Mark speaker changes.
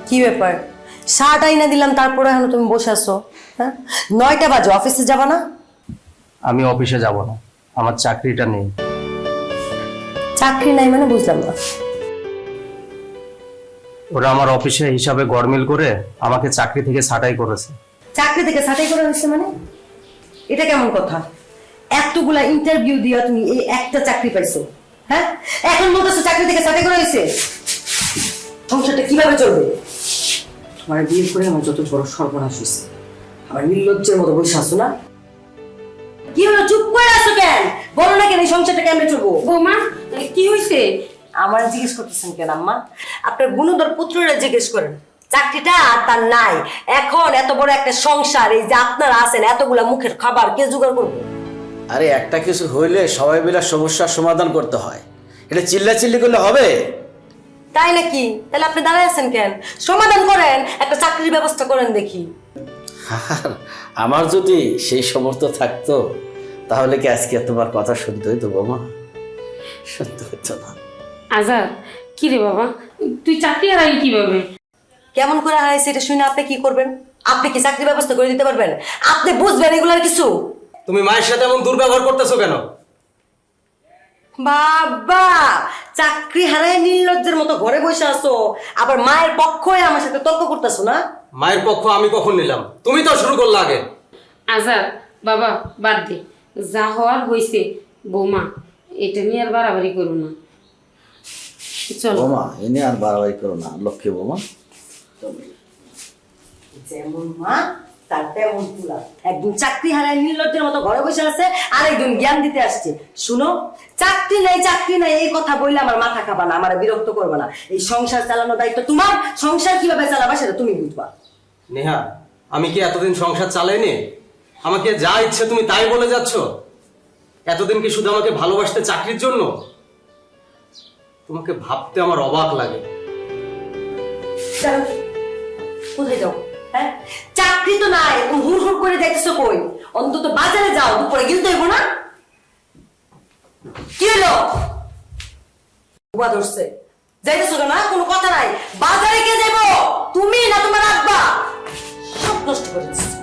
Speaker 1: কি ব্যাপার? শার্ট আইনা দিলাম তারপরে এখন তুমি বসে আছো? হ্যাঁ, 9টা বাজে, অফিসে যাবা না?
Speaker 2: আমি অফিসে যাব না, আমার চাকরিটা নেই।
Speaker 1: চাকরি নাই মানে বুঝলাম না।
Speaker 2: ওরা আমার অফিসে হিসাবে গড়মিল করে আমাকে চাকরি থেকে ছাঁটাই করেছে।
Speaker 1: চাকরি থেকে ছাঁটাই করে দিচ্ছে মানে? এটা কেমন কথা? এতগুলা ইন্টারভিউ দিয়া তুমি এই একটা চাকরি পাইছো, হ্যাঁ? এখন বলতেছো চাকরি থেকে ছাঁটাই করে হয়েছে। সংসারটা কিভাবে চলবে? তোমার বিয়ে করে আমার যত বড় সর্বনাশ হয়েছে, আমার নির্লজ্জের মতো বসে আছো না? কি হলো, চুপ করে আছো কেন? বলো না কেন এই সংসারটা কেমনে চলবো?
Speaker 3: বৌমা কি হয়েছে?
Speaker 1: আমার জিজ্ঞেস করতেছেন কেন আম্মা? আপনার গুণধর পুত্ররা জিজ্ঞেস করেন। চাকরিটা আর তার নাই। এখন এত বড় একটা সংসার, এই যে আপনারা আছেন, এতগুলা মুখের খাবার কে জোগাড় করবে?
Speaker 4: আরে একটা কিছু হইলে সবাই মিলে সমস্যার সমাধান করতে হয়, এটা চিল্লাচিল্লি করলে হবে?
Speaker 1: তাই নাকি? তাহলে আপনি দাঁড়ায় আছেন কেন? সমাধান করেন, একটা চাকরির ব্যবস্থা করেন দেখি।
Speaker 4: আর আমার যদি সেই সামর্থ্য থাকতো তাহলে কি আজকে তোমার কথা শুনতে হইতো বৌমা? শুনতে হইতো না।
Speaker 3: আজাদ, কি রে বাবা, তুই চাকরি হারালি কিভাবে?
Speaker 1: কেমন করে হারাইছে এটা শুনে আপনি কি করবেন? আপনি কি চাকরির ব্যবস্থা করে দিতে পারবেন? আপনি বুঝবেন এগুলার কিছু?
Speaker 2: তুমি মায়ের সাথে এমন দুর্ব্যবহার করতেছো কেন?
Speaker 1: বাবা, চাকরি হারায় নির্লজ্জের মতো ঘরে বসে আছো, আবার মায়ের পক্ষ হয়ে আমার সাথে তর্ক করতেছো না?
Speaker 2: মায়ের পক্ষ আমি কখন নিলাম? তুমি তো শুরু করলে আগে।
Speaker 3: আজাদ বাবা, বাদ দে, যা হওয়ার হয়েছে। বৌমা, এটা নিয়ে আর বাড়াবাড়ি করো না, চলো।
Speaker 4: বৌমা এনে আর বাড়াবাড়ি করো না, লক্ষ্মী বৌমা।
Speaker 1: যেমন মা তার তেমন পুলা। একদিন চাকরি হারায় নির্লজ্জের মতো ঘরে বসে আছে, আর একদিন জ্ঞান দিতে আসছে। শুনো, চাকরি নাই এই কথা বললে আমার মাথা খাবা না, আমার বিরক্ত করবে না। এই সংসার চালানোর দায়িত্ব তোমার। সংসার কিভাবে চালাবা সেটা তুমি বুঝবা।
Speaker 2: নেহা, আমি কি এতদিন সংসার চালাইনি? আমাকে যা ইচ্ছে তুমি তাই বলে যাচ্ছ? এতদিন কি শুধু আমাকে ভালোবাসতে চাকরির জন্য? তোমাকে ভাবতে আমার অবাক লাগে।
Speaker 1: যাও, কোথায় যাও? হ্যাঁ, চাকরি তো নাই, তুমি হুড় হুড় করে যাইতেছো কই? অন্তত বাজারে যাও, দুপুরে গিলতে হইব না? কি হলো? বুয়া ধরছে, যাইতেছো কেন? কোনো কথা নাই। বাজারে কে যাইবো? তুমি না তোমার আব্বা? সব নষ্ট করে দিচ্ছ।